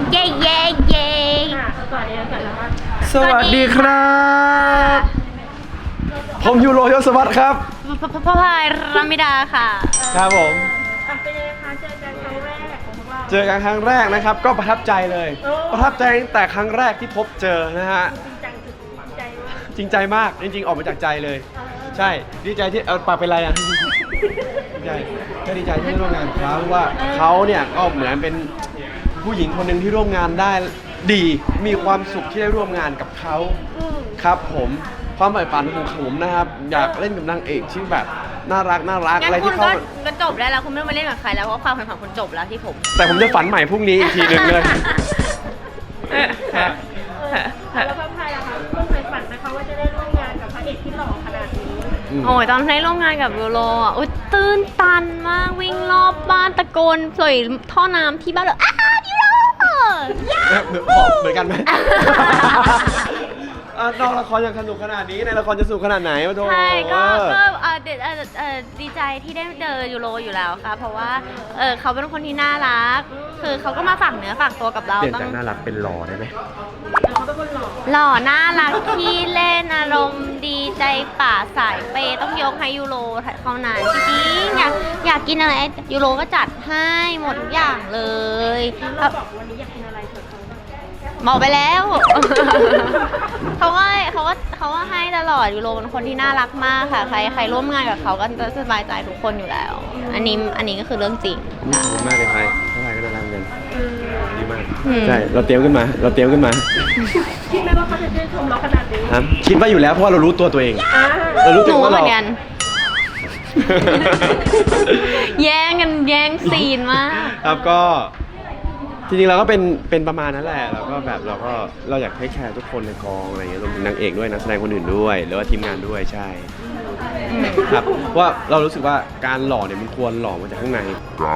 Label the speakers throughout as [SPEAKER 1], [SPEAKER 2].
[SPEAKER 1] เย้เย้เย้
[SPEAKER 2] สวัสดีครับผมยูโรยศวัฒน์ครับ
[SPEAKER 1] พ่อพายรามิดาค่ะ
[SPEAKER 2] ครับผม
[SPEAKER 3] เป็นยังไงคะเจอกันครั้งแรกของพวกเรา
[SPEAKER 2] เจอกันครั้งแรกนะครับก็ประทับใจเลยประทับใจตั้งแต่ครั้งแรกที่พบเจอนะฮะจริงใจมากจริงๆออกมาจากใจเลยใช่ดีใจที่ปากเป็นไรอ่ะดีใจก็ดีใจที่ได้ร่วมงานกับเขาว่าเขาเนี่ยก็เหมือนเป็นผู้หญิงคนหนึ่งที่ร่วมงานได้ดีมีความสุขที่ได้ร่วมงานกับเขาครับผมความใฝ่ฝันของผมนะครับอยากเล่นกับนางเอกที่แบบน่ารักอะไรที่เขา
[SPEAKER 1] ก็จบแล้วคุณไม่ต้องมาเล่นกับใครแล้วเพราะความฝันของคุณจบแล้วที่ผม
[SPEAKER 2] แต่ผมจะฝันใหม่พรุ่งนี้อีกทีหนึ่งเลย
[SPEAKER 3] แล้วพ่อพายล่ะคะคุณเคยฝันไหมคะว่าจะได้ร่วมงานกับพระเอกที่หล่อขนาดนี้
[SPEAKER 1] โอ้ยตอนได้ร่วมงานกับยูโรอ่ะตื่นตันมากวิ่งรอบบ้านตะโกนปล่อยท่อน้ำที่บ้านเลยยูโร
[SPEAKER 2] เหมือนกันไหมนอกละครยังสนุกขนาดนี้ในละครจะสนุกขนาดไหนวะโธ่
[SPEAKER 1] ใช่ก็ดีใจที่ได้เจอยูโรอยู่แล้วค่ะเพราะว่าเขาเป็นคนที่น่ารักคือเขาก็มาฝากเนื้อฝากตัวกับเรา
[SPEAKER 2] เปลี่ยนจากน่ารักเป็นหล่อได้ไหม
[SPEAKER 3] เขาเป็นคนหล่อ
[SPEAKER 1] หล่อน่ารักที่เล่นอารมณ์ดีใจป่าสายเปต้องยกให้ยูโรเขานานจริงๆอยากกินอะไรยูโรก็จัดให้หมดทุกอย่างเลย
[SPEAKER 3] เราบอกวันนี้อยากกินอะไรเถอะ
[SPEAKER 1] บอกไปแล้วเขาว่าให้ตลอดยูโรเป็นคนที่น่ารักมากค่ะใครร่วมงานกับเขาก็จะสบายใจทุกคนอยู่แล้วอันนี้ก็คือเรื่องจริง
[SPEAKER 2] ดีมากเลยใครก็น่ารักกันดีมากใช่เราเตรียมขึ้นมา
[SPEAKER 3] คิดไหมว่าเขาจะชื่นชมเราขนาดนี้
[SPEAKER 2] ครับคิดว่าอยู่แล้วเพราะว่าเรารู้ตัวเองเรารู้ตัวว่าเรา
[SPEAKER 1] แย่งซีนมาก
[SPEAKER 2] ครับก็จริงๆเราก็เป็นประมาณนั้นแหละเราก็แบบเราอยากให้แคร์ทุกคนในกองอะไรเงี้ยรวมถึงนางเอกด้วยนักแสดงคนอื่นด้วยหรือว่าทีมงานด้วยใช่ครับว่าเรารู้สึกว่าการหล่อเนี่ยมันควรหล่อมาจากข้างใน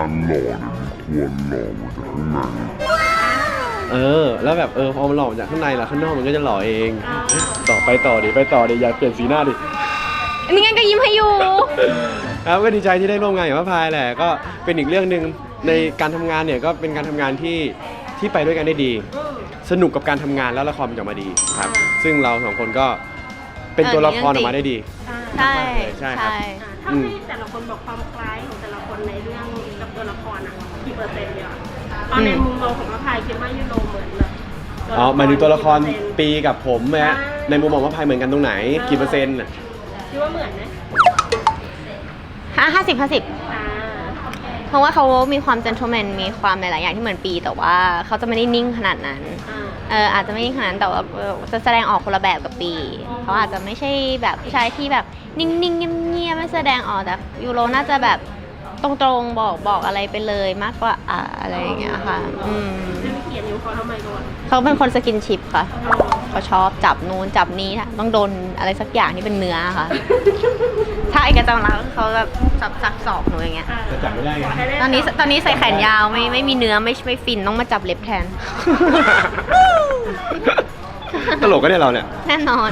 [SPEAKER 2] แล้วแบบพอมันหล่อมาจากข้างในแล้วข้างนอกมันก็จะหล่อเองไปต่อดิอย่าเปลี่ยนสีหน้าดิ
[SPEAKER 1] นี่งั้นก็ยิ้มให้อยู่
[SPEAKER 2] ครับก็ดีใจที่ได้ร่วมงานกับพระพายแหละก็เป็นอีกเรื่องนึงในการทำงานเนี่ยก็เป็นการทำงานที่ไปด้วยกันได้ดีสนุกกับการทำงานแล้วละครมันจะมาดีครับซึ่งเราสองคนก็เป็นตัวละครออกมาได้ดี
[SPEAKER 1] ใช่
[SPEAKER 3] ครับถ้าให้แต่ละคนบอกความคล้ายของแต่ละคนในเรื่องกับตัวละครกี่เปอร์เซ็นต์เนี่ยตอนในมุมมองของพระพายคิดว่ายูโรเหมือนแบบ
[SPEAKER 2] หมายถึงตัวละครปีกับผมไหมฮะในมุมมองพระพายเหมือนกันตรงไหนกี่เปอร์เซ็นต์
[SPEAKER 3] คิดว่าเหมือนไหม
[SPEAKER 1] 50เพราะว่าเขามีความเจน t l e แมนมีความหลายๆอย่างที่เหมือนปีแต่ว่าเขาจะไม่ได้นิ่งขนาดนั้นอาจจะไม่นิ่งขนาดนั้นแต่ว่าจะแสดงออกคนละแบบกับปีเขาอาจจะไม่ใช่แบบผู้ชายที่แบบนิ่งๆเงียบๆไม่แสดงออกแต่ยูโรน่าจะแบบตรงๆบอกอะไรไปเลยมากกว่าอะไรอย่างเงี้ยค่ะ
[SPEAKER 3] เขียนนิ้วเขาทำไมก่อน
[SPEAKER 1] เขาเป็นคนสกินชิปค่ะเขาชอบจับนู้นจับนี้ต้องโดนอะไรสักอย่างที่เป็นเนื้อค่ะถ้าไอ้กระจังแล้วเขาแบบสักศอกหนูอย่างเงี้ย
[SPEAKER 2] จะจับไม่ได้ไง
[SPEAKER 1] ตอนนี้ใส่แขนยาวไม่มีเนื้อไม่ฟินต้องมาจับเล็บแทน
[SPEAKER 2] ตลกก็เนี่ยเราเนี่ย
[SPEAKER 1] แน่นอน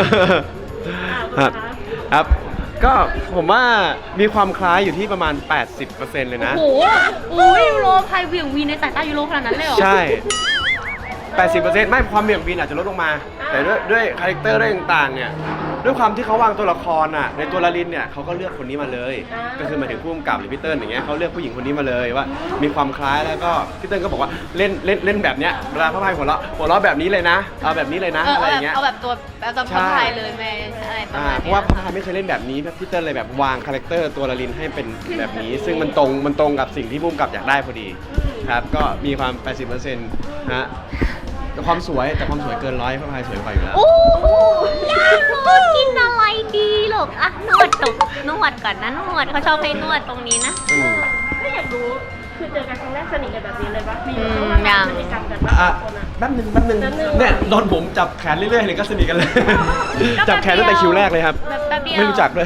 [SPEAKER 2] ครับก็ผมว่ามีความคล้ายอยู่ที่ประมาณ 80% เลยนะ
[SPEAKER 1] โอ้โหยูโรพายเบี่ยงวีในสายตายูโรขนาดนั้นเลยเหรอ
[SPEAKER 2] ใช่ 80% ไม่ความเบี่ยงวีนอาจจะลดลงมาแต่ด้วยคาแรคเตอร์ด้วยต่างๆเนี่ยด้วยความที่เขาวางตัวละครในตัวละลินเนี่ยเขาก็เลือกคนนี้มาเลยก็คือหมายถึงผู้กำกับหรือพี่เติ้ลอย่างเงี้ยเขาเลือกผู้หญิงคนนี้มาเลยว่ามีความคล้ายแล้วก็พี่เติ้ลก็บอกว่าเล่นแบบเนี้ยเวลาพระพายหัวเราะแบบนี้เลยนะเอาแบบนี้เลยนะอะไรอย่างเงี้ย
[SPEAKER 1] เอาแบบตัวพระพายเลยแม่อะไรประมาณนี้
[SPEAKER 2] เพราะว่าพระพายไม่เคยเล่นแบบนี้พี่เติ้ลเลยแบบวางคาแรคเตอร์ตัวละลินให้เป็นแบบนี้ซึ่งมันตรงกับสิ่งที่ผู้กำกับอยากได้พอดีครับก็มีความ 80% ฮะความสวยแต่ความสวยเกิน100พระพายสวยกว่าอยู่แล้ว
[SPEAKER 1] โอ้ยากกินอะไรดีหรอกนวดก่อนนะนวดเขาชอบให้นวดตรงนี้นะ
[SPEAKER 3] ก็อยากรู้คือเจอกันครั้งแรกสนิทกันแบบนี้เลยปะมี
[SPEAKER 1] อย่าง
[SPEAKER 3] พฤติกรรมกัน
[SPEAKER 2] แป๊บนึงเนี่ยโดนผมจับแขนเรื่อยๆเลยก็สนิทกันเลยจับแขนตั้งแต่คิวแรกเลยครับไม่รู้จักเลย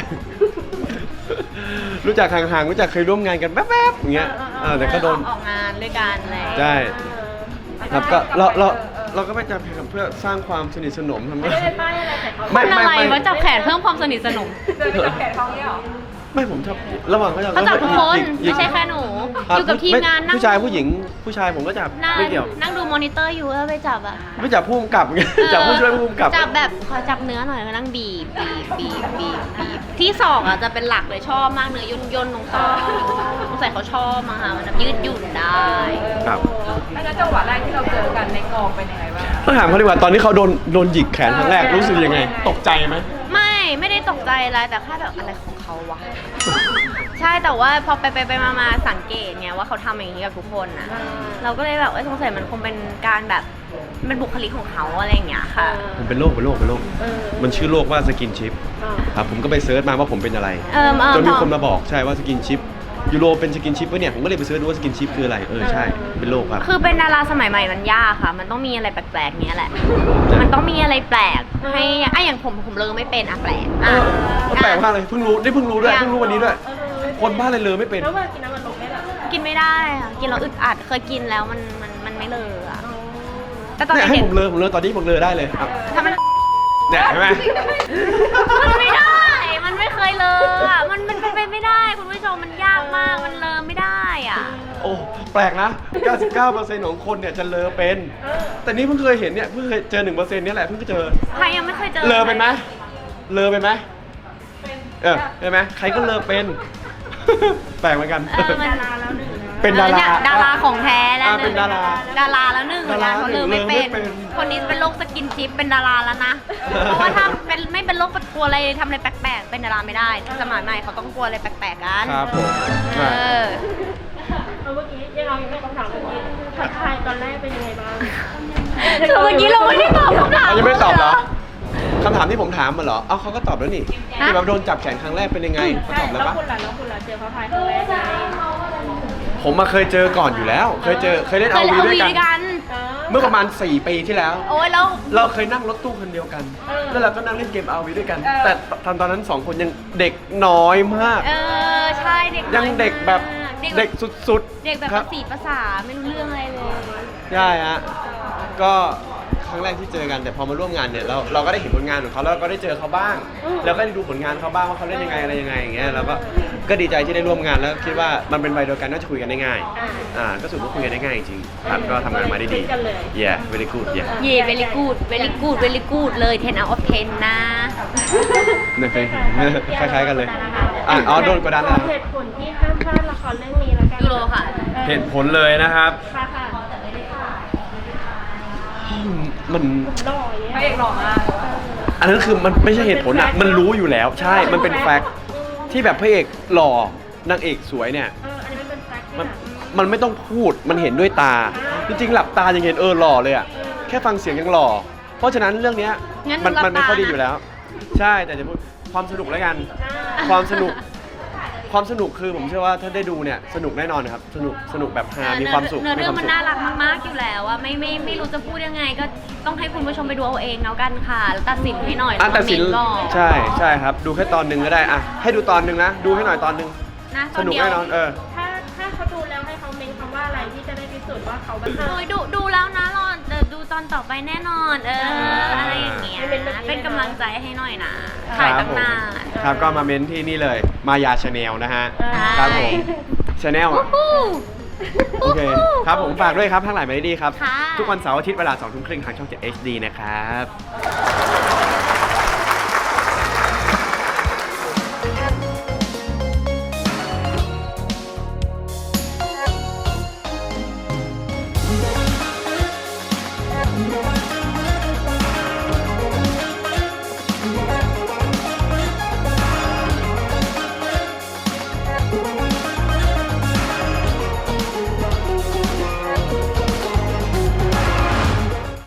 [SPEAKER 2] รู้จักห่างๆรู้จักเคยร่วมงานกันแป๊บๆอย่างเงี้ยแต่ก็โดน
[SPEAKER 1] ออกงานด้วยกันเลย
[SPEAKER 2] ใช่ครับก็เราก็ไม่จับแขนเพื่อสร้างความสนิทสนมทำไม
[SPEAKER 1] ไม่อะไรว่าจับแขนเพิ่มความสนิทสนม
[SPEAKER 3] จับแขนเขาเนี่ยหรอ
[SPEAKER 2] ไม่ผมชอบระหว่างเขาจับ
[SPEAKER 1] เขาจับทุกคน
[SPEAKER 2] หยิ
[SPEAKER 1] ไม่ใช่แค่หนู อยู่กับทีมงานนั่ง
[SPEAKER 2] ผู้ชายผู้หญิงผู้ชายผมก็จับ
[SPEAKER 1] นั่ง
[SPEAKER 2] ไม่เกี่ยว
[SPEAKER 1] นั่งดูมอนิเตอร์อยู่แล้วไปจับอ่ะ
[SPEAKER 2] ไม่จับผู้กำกับไงจับผู้ช่วยผู้กำกับ
[SPEAKER 1] จับแบบขอจับเนื้อหน่อยแล้วนั่งบีบที่สองอ่ะจะเป็นหลักเลยชอบมากเนื้ย่นตรงคอสงสัยเขาชอบมาค่ะมันแบบยืดหยุ่นได้
[SPEAKER 2] ครับ
[SPEAKER 4] แล้วจังหวะแรกที่เราเจอกันในกองเป็นยังไงบ้าง
[SPEAKER 2] ต้องถามเขาดีกว่าตอนที่เขาโดนหยิกแขนครั้งแรกรู้สึกยังไง ตกใจไหม
[SPEAKER 1] ไม่ได้ตกใจอะไรแต่แค่แบบอะไรของเขาวะ ใช่แต่ว่าพอไปมาสังเกตไงว่าเขาทำอย่างนี้กับทุกคนนะเราก็เลยแบบสงสัยมันคงเป็นการแบบเป็นบุคลิกของเขาอะไรอย่างเงี้ยค่ะ
[SPEAKER 2] ผมเป็นโรคมันชื่อโรคว่าสกินชิปครับผมก็ไปเซิร์ชมาว่าผมเป็นอะไรจนมีคนมาบอกใช่ว่าสกินชิปยูโรเป็นสกินชิปปะเนี่ยผมก็เลยไปเซิร์ชดูว่าสกินชิปคืออะไรใช่เป็นโรคครับ
[SPEAKER 1] คือเป็นดาราสมัยใหม่มันยากค่ะ มันต้องมีอะไรแปลกๆเนี้ยแหละ มันต้องมีอะไรแปลกให้อย่างผมเลอไม่เป็นแปลก
[SPEAKER 2] ก็แปลกมากเลยเพิ่งรู้ด้วยเพิ่งรู้วันนี้ด้วยคนบ้านอะไรเลยไม่เป็น
[SPEAKER 3] แล้วเวลากินน้ำมันลงได้หรอ
[SPEAKER 1] กินไม่ได้ค่ะกินแล้วอึดอัดเคยกินแล้วมันไม่เลออะแต่ตอน
[SPEAKER 2] เนี่ยให้
[SPEAKER 1] เด็ก
[SPEAKER 2] ผมเลอตอนนี้ผมเลอได้เลยครับ
[SPEAKER 1] ถ้ามัน
[SPEAKER 2] เนี่ยใช่ไหม
[SPEAKER 1] มันไม่ได้ มันไม่เคยเลออะมันเป็นไปไม่ได้คุณผู้ชมมันยากมากมันเลอไม่ได้อ่ะ
[SPEAKER 2] โอ้แปลกนะ 99% ของคนเนี่ยจะเลอเป็น แต่นี่เพิ่งเคยเห็นเนี่ยเพิ่งเคยเจอ 1% เนี่ยแหละเพิ่งเจอ
[SPEAKER 1] ใครยังไม่เคยเจอ
[SPEAKER 2] เลอเป็นไหมเลอเป็นไหมใช่ไหมใครก็เลอเป็น แปลกเหมือนกัน
[SPEAKER 1] มัน
[SPEAKER 3] ดาราแล้วหนึ่งนะ
[SPEAKER 2] เป็นดารา
[SPEAKER 1] ดาราของแท้แล้ว
[SPEAKER 2] เป็นดารา
[SPEAKER 1] ดาราแล้วหนึ่ง
[SPEAKER 2] ดารา
[SPEAKER 1] เขาเลอไม่
[SPEAKER 2] เลอไม่
[SPEAKER 1] เป็น
[SPEAKER 2] เป็น
[SPEAKER 1] คนนี้เป็นโรคสกินชิปเป็นดาราแล้วนะ เพราะว่าถ้าเป็นไม่เป็นโรคกลัวอะไรทำอะไรแปลกๆเป็นดาราไม่ได้สมัยใหม่เขาต้องกลัวอะไรแปลกๆกัน
[SPEAKER 2] ครับผม
[SPEAKER 1] เออ
[SPEAKER 3] เมื่อกี้ยังเรายังไม่คำถามเมื่อกี้ทักทายตอนแรกเป็นยังไงบ้าง
[SPEAKER 1] คือเมื่อกี้เราไม่ได้ตอบคำถาม
[SPEAKER 2] ยังไม่ได้ตอบเหรอคำถามที่ผมถามมาเหรอ เขาก็ตอบแล้วนี่ที่แบบโดนจับแขนครั้งแรกเป็นยังไงเขาตอบแล้ว
[SPEAKER 3] แล้ว
[SPEAKER 2] ปะ
[SPEAKER 3] คุณล่ะเจอพระพายครั้งแรกไง
[SPEAKER 2] ผมมาเคยเจอก่อนอยู่แล้ว เคยเล่น
[SPEAKER 1] เค
[SPEAKER 2] เอา
[SPEAKER 1] ยเล่น
[SPEAKER 2] วี
[SPEAKER 1] เอา
[SPEAKER 2] ด้ว
[SPEAKER 1] วี
[SPEAKER 2] ยกั
[SPEAKER 1] ด้วยกัน
[SPEAKER 2] น เมื่อประมาณ 4 ปีที่แล้ว
[SPEAKER 1] โอ้ยแล้ว
[SPEAKER 2] เราเคยนั่งรถตู้คันเดียวกัน แล้วเราก็นั่งเล่นเกม RV ด้วยกัน แต่ตอนนั้น 2 คนยังเด็กน้อยมาก
[SPEAKER 1] ใช่เด็ก
[SPEAKER 2] ยังเด็กแบบเด็กสุดๆ
[SPEAKER 1] เด็กแบบ
[SPEAKER 2] ครั
[SPEAKER 1] ภาษีภาษาไม่รู้เรื่องอะไรเลย
[SPEAKER 2] ใช่ฮะ ก็ครั้งแรกที่เจอกันแต่พอมาร่วมงานเนี่ยเราก็ได้เห็นผลงานของเขาแล้วก็ได้เจอเขาบ้าง แล้วก็ได้ดูผลงานเขาบ้างว่าเขาเล่นยังไงอะไรยังไงอย่างเงี้ยแล้วก็ดีใจที่ได้ร่วมงานแล้วคิดว่ามันเป็นวัยเดียวกันน่าจะคุยกันได้ง่ายก็สุดว่าคุยกันได้ง่ายจริงๆครับก็ทำงานมาได้ดี yeah very good yeah
[SPEAKER 1] เย่ very good very good very good เลย10 out of 10 นะ
[SPEAKER 2] เนี่ยเคยเห็นคล้ายๆกันเลยโดนกดดันนะ
[SPEAKER 3] เหตุผลที่ห้ามพลาดละครเรื่องนี้แล้วกัน
[SPEAKER 1] ยูโรค่ะ
[SPEAKER 2] เหตุผลเลยนะครับ
[SPEAKER 3] ค่ะค่ะ
[SPEAKER 2] มัน
[SPEAKER 3] หล่อเนี่ย
[SPEAKER 4] พระเอกหล่อมาก
[SPEAKER 2] อันนั้นคือมันไม่ใช่เหตุผลอ่ะมันรู้อยู่แล้วใช่มันเป็นแฟกต์ที่แบบพระเอกหล่อนางเอกสวยเนี่ย
[SPEAKER 3] อันนี้มันเป็นแฟกต์ที่
[SPEAKER 2] มัน
[SPEAKER 3] แบบ
[SPEAKER 2] มันไม่ต้องพูด มันเห็นด้วยตา จริงๆ หลับตายังเห็นหล่อเลยอ่ะ แค่ฟังเสียงยังหล่อ เพราะฉะนั้นเรื่องเนี้ย
[SPEAKER 1] งั้น
[SPEAKER 2] มัน
[SPEAKER 1] หลับตา
[SPEAKER 2] ไม่ค่อยดีอยู่แล้ว ใช่ แต่จะพูดความสนุกแล้วกัน ความสนุกคือผมเชื่อว่าถ้าได้ดูเนี่ยสนุกแน่นอนครับ สนุกแบบฮามีความสุข
[SPEAKER 1] เนื้อ
[SPEAKER 2] มี
[SPEAKER 1] เรื่
[SPEAKER 2] ค
[SPEAKER 1] อ
[SPEAKER 2] วาง ม
[SPEAKER 1] มัน
[SPEAKER 2] สุข
[SPEAKER 1] น่ารักมากๆอยู่แล้วอะไม่รู้จะพูดยังไงก็ต้องให้คุณผู้ชมไปดูเอาเองแล้วกันค่ะแล้วตัดสินให้หน่อย
[SPEAKER 2] ตัดสิน
[SPEAKER 1] คอมเมต์บอก
[SPEAKER 2] ใช่ครับ ดูแค่ตอนหนึ่งก็ได้อ่ะให้ดูตอนหนึ่งนะ ดูให้หน่อยตอนหนึ่ง
[SPEAKER 1] นะต
[SPEAKER 2] ส
[SPEAKER 1] อน
[SPEAKER 2] นุก
[SPEAKER 1] เดียว
[SPEAKER 2] แน่นอน
[SPEAKER 3] ถ้าเขาดูแล้วให้เขาเมนคำว่าอะไรที่จะได้พิสูจน์ว่าเขาเป็น
[SPEAKER 1] โอ้ยดูแล้วนะรอดูตอนต่อไปแน่นอนอะไรอย่างเงี้ยเป็นกำลังใจให้หน่อยนะถ่ายตั้งนาน
[SPEAKER 2] ครับก็มาเม้นที่นี่เลยมายาชาแนลนะฮะครับผมชาแนล
[SPEAKER 1] วู้ฮู้
[SPEAKER 2] โอเคครับผมฝากด้วยครับทั้งหลายไม่ได้ดีครับ
[SPEAKER 1] ค่ะ
[SPEAKER 2] ทุกวันเสาร์อาทิตย์เวลา 20:30 ทางช่อง 7 HD นะครับ